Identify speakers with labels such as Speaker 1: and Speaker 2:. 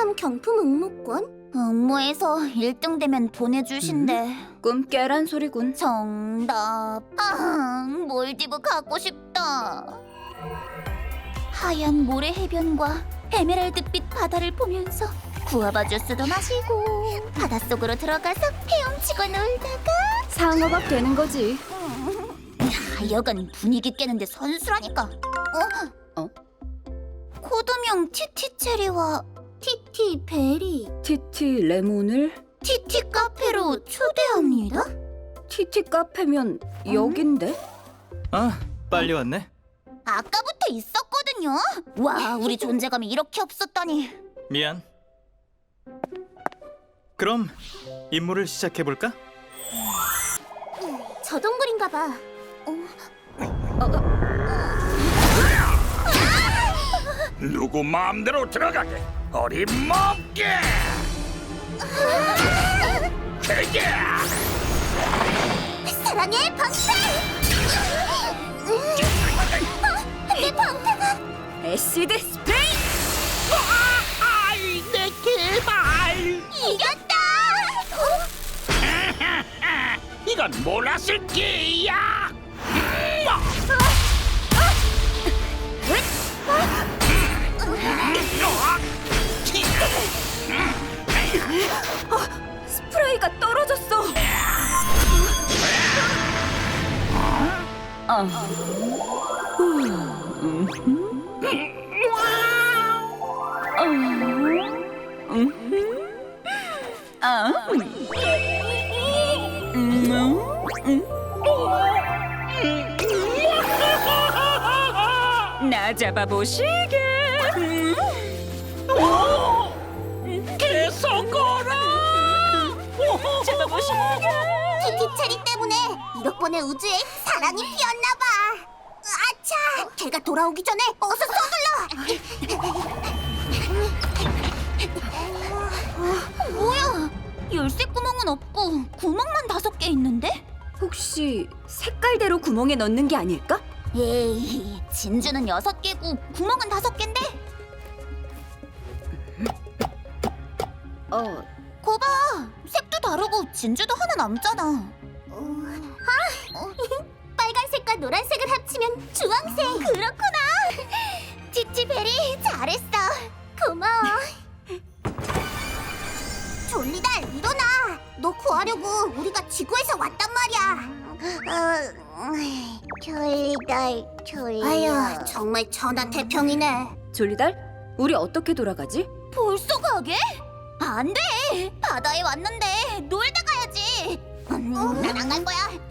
Speaker 1: 백화점 경품 응모권? 응모해서 1등 되면 보내주신대.
Speaker 2: 꿈 깨란 소리군.
Speaker 1: 정답. 몰디브 가고 싶다. 하얀 모래 해변과 에메랄드빛 바다를 보면서 구아바 주스도 마시고 바닷속으로 들어가서 헤엄치고 놀다가
Speaker 2: 상어밥 되는 거지.
Speaker 1: 여간 분위기 깨는데 선수라니까. 코드명 티티체리와 티티베리
Speaker 2: 티티 레몬을
Speaker 1: 티티 카페로 초대합니다.
Speaker 2: 티티 카페면 여긴데?
Speaker 3: 아, 빨리 왔네.
Speaker 1: 아까부터 있었거든요. 와, 우리 존재감이 이렇게 없었다니.
Speaker 3: 미안. 그럼 임무를 시작해볼까?
Speaker 1: 저 동굴인가 봐.
Speaker 4: 누구 마음대로 들어가게 어림없게. 되게
Speaker 1: 사랑의 방패! 내 방패가
Speaker 2: 애시드 스프레이!
Speaker 4: 아이 내 개발.
Speaker 1: 이겼다!
Speaker 4: 이건 몰랐을 게야.
Speaker 2: 스프레이가 떨어졌어. 나 잡아보시게.
Speaker 4: 계속거라.
Speaker 2: 잡아보시게.
Speaker 1: 티티체리 때문에 1억 번의 우주에 사랑이 피었나 봐. 아차! 걔가 돌아오기 전에 어서 서둘러! 뭐야? 열쇠 구멍은 없고 구멍만 5개 있는데?
Speaker 2: 혹시 색깔대로 구멍에 넣는 게 아닐까?
Speaker 1: 에이, 진주는 6개고 구멍은 5개인데? 거봐! 색도 다르고 진주도 하나 남잖아. 빨간색과 노란색을 합치면 주황색. 그렇구나. 티티베리 잘했어. 고마워. 졸리달 일어나. 너 구하려고 우리가 지구에서 왔단 말이야. 졸리달. 아휴, 정말 천하태평이네.
Speaker 2: 졸리달, 우리 어떻게 돌아가지?
Speaker 1: 벌써 가게? 안 돼! 바다에 왔는데 놀다 가야지. 난 안 갈 거야.